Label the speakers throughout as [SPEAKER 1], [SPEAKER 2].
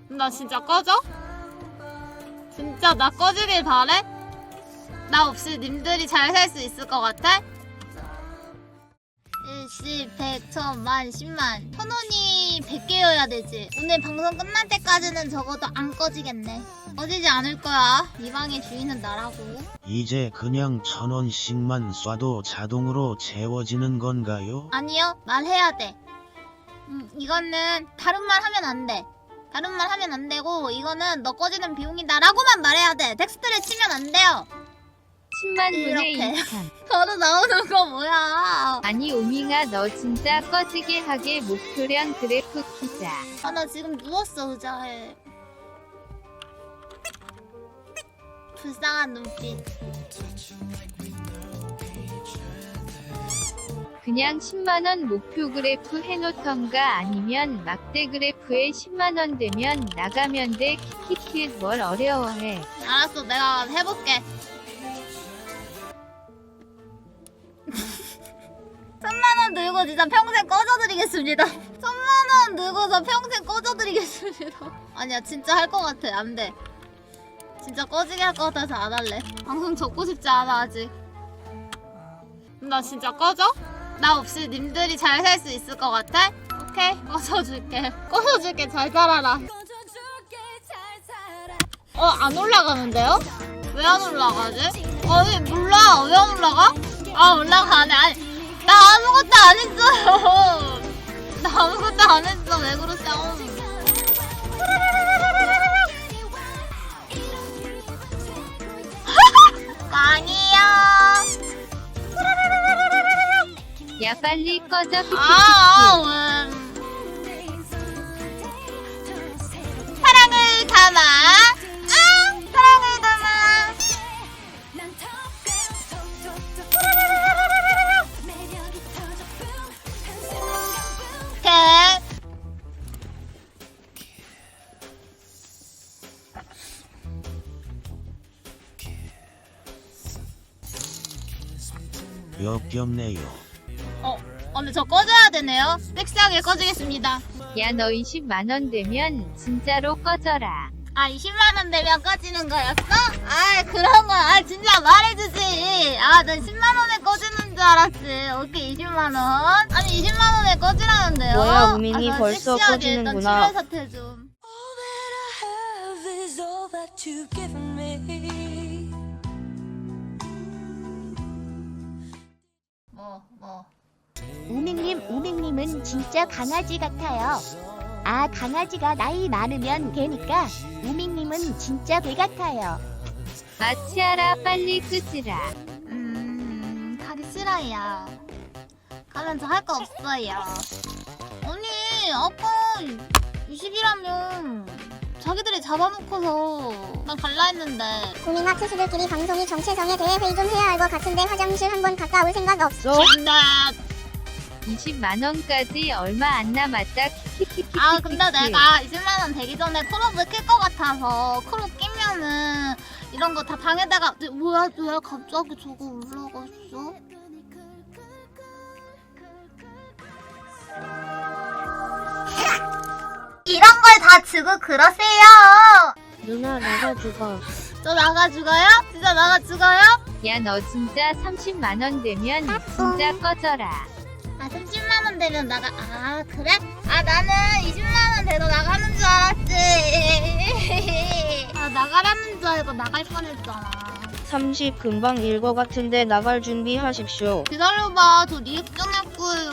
[SPEAKER 1] 나 진짜 꺼져? 진짜 나 꺼지길 바래? 나 없이 님들이 잘 살 수 있을 것 같아? 일시, 백, 천만, 십만. 천원이 100개여야 되지. 오늘 방송 끝날 때까지는 적어도 안 꺼지겠네. 꺼지지 않을 거야. 이 방의 주인은 나라고.
[SPEAKER 2] 이제 그냥 1000원씩만 쏴도 자동으로 채워지는 건가요?
[SPEAKER 1] 아니요, 말해야 돼. 이거는 다른 말 하면 안 돼. 다른 말 하면 안 되고, 이거는 너 꺼지는 비용이다 라고만 말해야 돼. 텍스트를 치면 안 돼요.
[SPEAKER 3] 10만분의
[SPEAKER 1] 이렇게.
[SPEAKER 3] 2천.
[SPEAKER 1] 바로 나오는 거 뭐야.
[SPEAKER 3] 아니 오밍아 너 진짜 꺼지게 하게 목표량 그래프 키자.
[SPEAKER 1] 아, 나 지금 누웠어, 의자에. 불쌍한 눈빛.
[SPEAKER 3] 그냥 10만원 목표 그래프 해놓던가 아니면 막대 그래프에 10만원 되면 나가면 돼. 키키키 뭘 어려워해.
[SPEAKER 1] 알았어, 내가 해볼게. 1000만원 들고 진짜 평생 꺼져드리겠습니다. 1000만원 들고서 평생 꺼져드리겠습니다. 아니야, 진짜 할 것 같아. 안 돼. 진짜 꺼지게 할 것 같아서 안 할래. 방송 접고 싶지 않아, 아직. 나 진짜 꺼져? 나 없이 님들이 잘 살 수 있을 것 같아? 오케이, 꺼져줄게. 꺼져줄게, 잘 살아라. 안 올라가는데요? 왜 안 올라가지? 아니, 몰라. 왜 안 올라가? 아, 올라가네. 아니, 나 아무것도 안 했어요. 나 아무것도 안 했어. 왜 그러세요? 아니야.
[SPEAKER 3] 야 빨리 꺼져 키키키키.
[SPEAKER 1] 사랑을 담아. 사랑을 담아.
[SPEAKER 2] 역겹네요.
[SPEAKER 1] 근데 저 꺼져야 되네요. 섹시하게 꺼지겠습니다.
[SPEAKER 3] 야 너 20만원 되면 진짜로 꺼져라.
[SPEAKER 1] 20만원 되면 꺼지는 거였어? 그런 거, 진짜 말해주지. 나 10만원에 꺼지는 줄 알았지. 오케이, 20만원. 아니, 20만원에 꺼지라는데요?
[SPEAKER 4] 뭐야, 우민이
[SPEAKER 1] 나
[SPEAKER 4] 벌써
[SPEAKER 1] 섹시하게
[SPEAKER 4] 꺼지는구나.
[SPEAKER 1] 일단 출혈 사태 좀.
[SPEAKER 5] 우밍님은 진짜 강아지 같아요. 강아지가 나이 많으면 개니까 우밍님은 진짜 개 같아요.
[SPEAKER 3] 마치아라 빨리 끄지라.
[SPEAKER 1] 가기 싫어요. 가면 저 할 거 없어요. 아니, 아까 20이라면 자기들이 잡아놓고서 난 갈라 했는데.
[SPEAKER 6] 우밍아 투수들끼리 방송이 정체성에 대해 회의 좀 해야 할 것 같은데 화장실 한번 갔다 올 생각 없어?
[SPEAKER 1] 나
[SPEAKER 3] 20만원까지 얼마 안 남았다. 키키키키.
[SPEAKER 1] 근데 내가 20만원 되기 전에 콜업을 낄 것 같아서 콜업 끼면은 이런 거 다 방에다가 뭐야 왜 갑자기 저거 올라갔어? 이런 걸 다 주고 그러세요.
[SPEAKER 4] 누나 나가 죽어.
[SPEAKER 1] 저 나가 죽어요? 진짜 나가 죽어요?
[SPEAKER 3] 야 너 진짜 30만원 되면 진짜 꺼져라.
[SPEAKER 1] 30만원 되면 나가. 그래? 나는 20만원 돼도 나가는 줄 알았지. 나가라는 줄 알고 나갈 뻔했잖아.
[SPEAKER 4] 30 금방 일 것 같은데 나갈 준비하십시오.
[SPEAKER 1] 기다려봐, 저 리액션 할 거예요.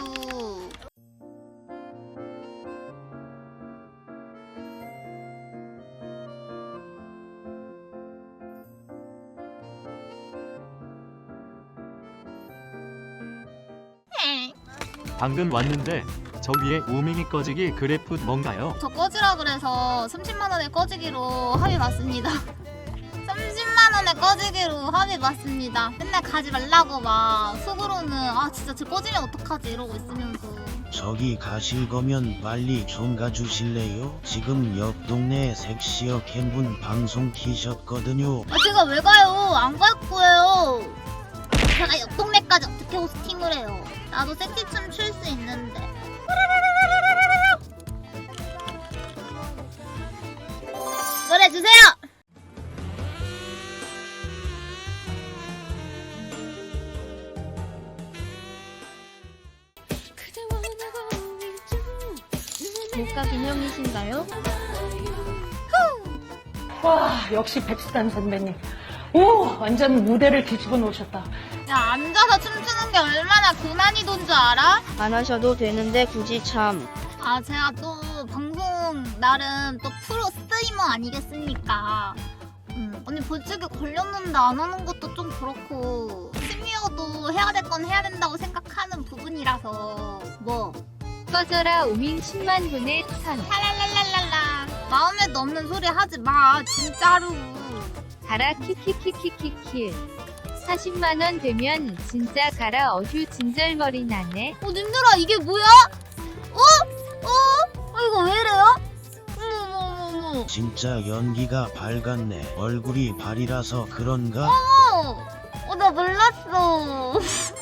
[SPEAKER 7] 방금 왔는데 저 위에 우밍이 꺼지기 그래프 뭔가요?
[SPEAKER 1] 저 꺼지라 그래서 30만원에 꺼지기로 합의 봤습니다. 30만원에 꺼지기로 합의 봤습니다. 맨날 가지 말라고 막 속으로는 진짜 쟤 꺼지면 어떡하지 이러고 있으면서.
[SPEAKER 2] 저기 가실 거면 빨리 좀 가주실래요? 지금 옆 동네에 섹시어 캠분 방송 키셨거든요.
[SPEAKER 1] 제가 왜 가요? 안 갈 거예요. 제가 옆 동네까지 어떻게 호스팅을 해요? 나도 섹시춤 출 수 있는데. 해주세요.
[SPEAKER 4] 목가 기념이신가요?
[SPEAKER 8] 와, 역시 백수단 선배님. 오, 완전 무대를 뒤집어 놓으셨다.
[SPEAKER 1] 야, 앉아서 춤추는 게 얼마나 고난이도인 줄 알아?
[SPEAKER 4] 안 하셔도 되는데 굳이 참.
[SPEAKER 1] 아, 제가 또 방송 나름 또 프로 스트리머 아니겠습니까? 언니 벌칙에 걸렸는데 안 하는 것도 좀 그렇고 심리어도 해야 될 건 해야 된다고 생각하는 부분이라서 뭐
[SPEAKER 3] 꺼져라 오밍 10만 분의 천.
[SPEAKER 1] 랄랄랄랄라 마음에도 없는 소리 하지 마 진짜로.
[SPEAKER 3] 가라 키키키키키키. 40만 원 되면 진짜 가라 어휴 진절머리 나네.
[SPEAKER 1] 님들아 이게 뭐야? 이거 왜 이래요? 어머
[SPEAKER 2] 진짜 연기가 밝았네. 얼굴이 발이라서 그런가?
[SPEAKER 1] 나 몰랐어.